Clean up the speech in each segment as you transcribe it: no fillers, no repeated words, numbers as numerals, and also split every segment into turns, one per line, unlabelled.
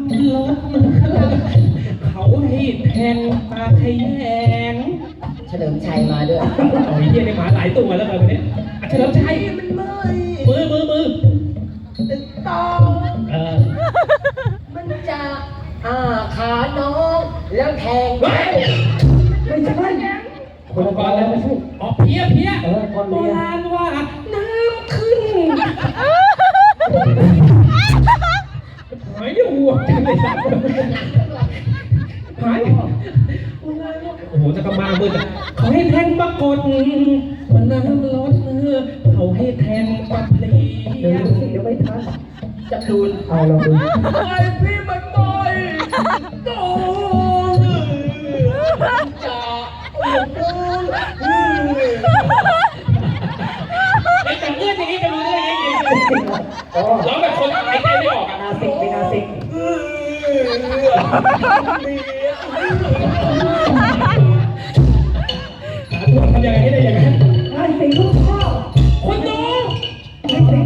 รถเขาให้แทงตาขยง
เฉลิมชัยมาด้วย
โอ้ยเยี่ยในหมาหลายตัวแล้วแบบนี้เฉลิมชัย
มันไม่
มือ
ต่อ
เออ
มันจะขาน้องแล้วแทง
เฮ้ย
ไม่ใช่
คนละก่อนแล้วไม่ใช่อ๋อเพี้ย
คน
โบ
เรียน
ราณว่าน้ำขึ้นหายหัวจังเลยสัตว์หายโอ้โหจะกระมามืดอ่ะเขาให้แทงปรากฏมันน้ำลดเขาให้แทงปลาเพลี
เดี๋ยวย ดูสิเดี๋ยวไม่ทัน
จะดูน
เอาลองดู
ไอ้พี่มันต่อยโต
จะ
ไอ้แต่เอื้อนอย่างนี้จะรู้ได้ยังไง
อ๋อ
ร้องแบบคนหายใจไม่ออกอ่ะ
นาสิกเป็นนาสิก
ทำยังไงให้ได้อย่างนั้น
นาสิกลูกพ่อ
คนดู
นาสิก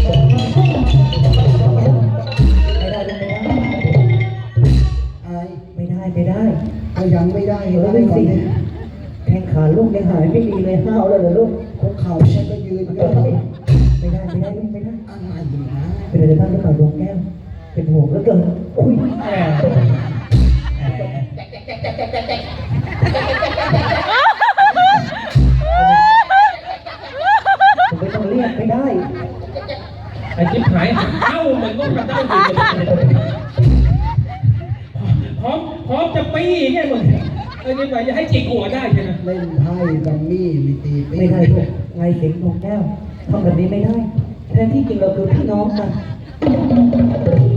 ไม่ได้ไม่ได้
อะไร
ไม่ได้ไม่ได้
ก็ยังไม่ได้
เออ
ได้
ไม่
ก่อน
สิ
เนี่ย
แข้งขาลูกยังหายไม่ดีเลยห้าวแล้วเหรอลูก
คุกเข่าฉันก็ยืนก็
ไม่ได้ไม่ได้ลูกไม่ได้
อะไรอยู่นะ
เป็นอะไรบ้างหรือเปล่าดวงแก้วเป็นห่วงเหลือเกินอุ้ย
แหม
ผมไม่ต้องเรียกไม่ได้
ไอ้จิ๊บหายเอ้ามันก็กระเด้าอยู่พร้อมจะปี้แค่หมดนี่ไปจะให้จิกหัวได้ใช่ไหม
เล่นไพ่กัมมี่มีตีปี
ไม่ได้ลูกไงเสียงดวงแก้วทำแบบนี้ไม่ได้แทนที่จริงเราคือพี่น้องกัน